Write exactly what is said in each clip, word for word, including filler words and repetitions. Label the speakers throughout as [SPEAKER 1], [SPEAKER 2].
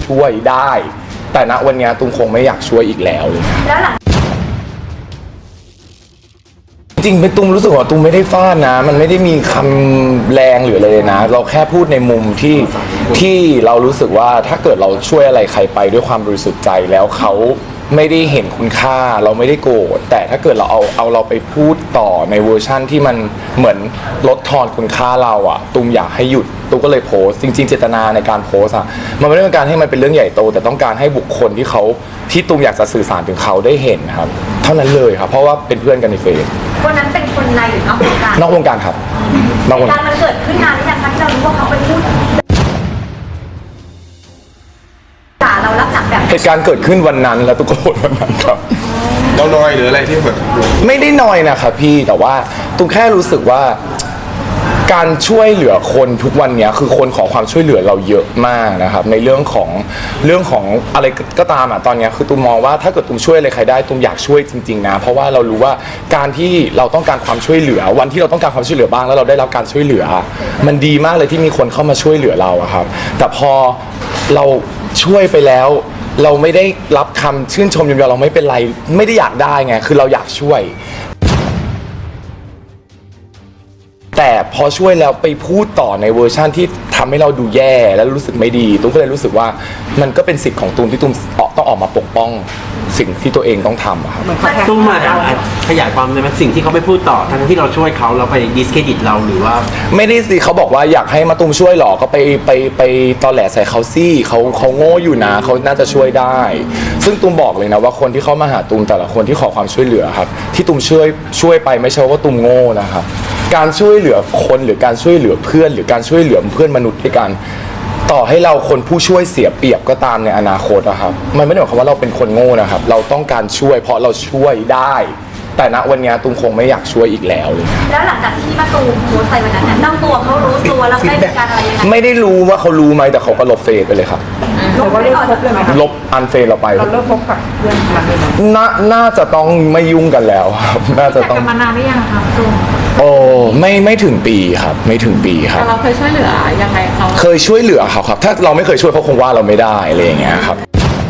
[SPEAKER 1] ช่วยได้ แต่ณวันนี้ตุ้มคงไม่อยากช่วยอีกแล้วเลย
[SPEAKER 2] แล้วหลัง
[SPEAKER 1] จริงๆเป็นตุ้มรู้สึกว่าตุ้มไม่ได้ฟาดนะ มันไม่ได้มีคำแรงหรืออะไรเลยนะเราแค่พูดในมุมที่ที่เรารู้สึกว่าถ้าเกิดเราช่วยอะไรใครไปด้วยความบริสุทธิ์ใจแล้วเขาไม่ได้เห็นคุณค่าเราไม่ได้โกรธแต่ถ้าเกิดเราเอาเอาเราไปพูดต่อในเวอร์ชั่นที่มันเหมือนลดทอนคุณค่าเราอะตุ้มอยากให้หยุดตุ้มก็เลยโพสต์จริงๆเจตนาในการโพสต์อะมันไม่ได้เป็นการให้มันเป็นเรื่องใหญ่โตแต่ต้องการให้บุคคลที่เขาที่ตุ้มอยากจะสื่อสารถึงเขาได้เห็นครับเท่านั้นเลยครับเพราะว่าเป็นเพื่อนกันในเฟซ
[SPEAKER 2] วันนั้นเป็นคนในหรือนอกวงการ
[SPEAKER 1] นอกวงการครับนอกวงการ
[SPEAKER 2] มันเกิดขึ้นนานหรือยังคะที่เรารู้ว่าเขาไปพูดด่าเราลักษณะแบบ
[SPEAKER 1] เหตุการณ์เกิดขึ้นวันนั้นแล้วตุ้มก็โกรธวันนั้นครับ
[SPEAKER 3] เราน้อยหรืออะไรที่แบบ
[SPEAKER 1] ไม่ได้น้อยนะครับพี่แต่ว่าตุ้มแค่รู้สึกว่าการช่วยเหลือคนทุกวันนี้คือคนขอความช่วยเหลือเราเยอะมากนะครับในเรื่องของเรื่องของอะไรก็ตามอ่ะตอนนี้คือตุ้มมองว่าถ้าเกิดตุ้มช่วยอะไรใครได้ตุ้มอยากช่วยจริงๆนะเพราะว่าเรารู้ว่าการที่เราต้องการความช่วยเหลือวันที่เราต้องการความช่วยเหลือบ้างแล้วเราได้รับการช่วยเหลือมันดีมากเลยที่มีคนเข้ามาช่วยเหลือเราครับแต่พอเราช่วยไปแล้วเราไม่ได้รับคำชื่นชมยอมเราไม่เป็นไรไม่ได้อยากได้ไงคือเราอยากช่วยแต่พอช่วยแล้วไปพูดต่อในเวอร์ชั่นที่ทำให้เราดูแย่แล้วรู้สึกไม่ดีตุ้มก็เลยรู้สึกว่ามันก็เป็นสิทธิ์ของตุ้มที่ตุ้มต้องออกมาปกป้องสิ่งที่ตัวเองต้องทำครับ
[SPEAKER 4] ตุ้มมาขยายความในสิ่งที่เขาไม่พูดต่อทั้งที่เราช่วยเขาเราไปดิสเครดิตเราหรือว่า
[SPEAKER 1] ไม่ได้สิเขาบอกว่าอยากให้มาตุ้มช่วยหรอก็ไปไปไปตอแหลใส่เขาซี่เขาเขาโง่อยู่นะเขาน่าจะช่วยได้ซึ่งตุ้มบอกเลยนะว่าคนที่เข้ามาหาตุ้มแต่ละคนที่ขอความช่วยเหลือครับที่ตุ้มช่วยช่วยไปไม่ใช่ว่าตุ้มโง่นะครับการช่วยเหลือคนหรือการช่วยเหลือเพื่อนหรือการช่วยเหลือเพื่อนมนุษย์ด้วยกันต่อให้เราคนผู้ช่วยเสียเปรียบก็ตามในอนาคตนะครับมันไม่ได้หมายความว่าเราเป็นคนโง่นะครับเราต้องการช่วยเพราะเราช่วยได้แต่ณวันนี้ตุ้มคงไม่อยากช่วยอีกแล้วเลย
[SPEAKER 2] แล้วหลังจากที่มาตูมโพสต์ไปวันนั้นเนี่ยตั้งตัวเขารู้ตัวแล้วได้มีการอะไรยังไง
[SPEAKER 1] ไม่ได้รู้ว่าเขารู้ไหมแต่เขาก็ลบเฟซไปเลยครับ
[SPEAKER 2] ลบไม่ออกเลยไหม
[SPEAKER 1] ลบอันเฟซเราไป
[SPEAKER 5] เราเลิกพบกับเพื่อนกันเลย
[SPEAKER 1] น่าน่าจะต้องไม่ยุ่งกันแล้วครับน่าจะต้อง
[SPEAKER 5] มานานหรือยังครับตูม
[SPEAKER 1] โอ้ไม่ไม่ถึงปีครับไม่ถึงปีครับ
[SPEAKER 5] เราเคยช่วยเหลือยังไงเขา
[SPEAKER 1] เคยช่วยเหลือเขาครับถ้าเราไม่เคยช่วยเขาคงว่าเราไม่ได้อะไรอย่างเงี้ยครับ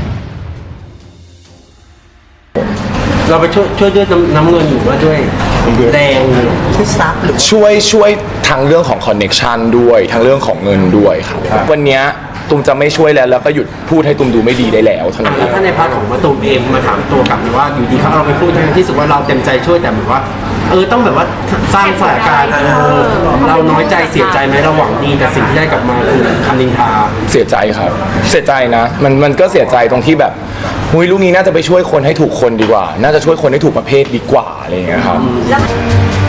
[SPEAKER 4] เราไปช่วยช่วยด้วยน้ำเงินหรือว่าด้วยแรงช่วยซับหรือ
[SPEAKER 1] ช่วยช่วยทั้งเรื่องของคอนเน็กชันด้วยทั้งเรื่องของเงินด้วยครับวันนี้ตุ้มจะไม่ช่วยแล้วแล้วก็หยุดพูดให้ตุ้มดูไม่ดีได้แล้วเท่านั้นเอง
[SPEAKER 4] ถ้าในพาร์ทของมาตูมเองมาถามตัวกลับว่าอยู่ดีเขาเราไปพูดทั้งที่สุดว่าเราเต็มใจช่วยแต่เหมือนว่าเออต้องแบบว่าสร้างสถานการณ์เออเราน้อยใจเสียใจไหมเราหวังดีแต่สิ่งที่ได้กลับมาคือคำนินทา
[SPEAKER 1] เสียใจครับเสียใจนะมันมันก็เสียใจตรงที่แบบหุยลูกนี้น่าจะไปช่วยคนให้ถูกคนดีกว่าน่าจะช่วยคนให้ถูกประเภทดีกว่าอะไรอย่างเงี้ยครับ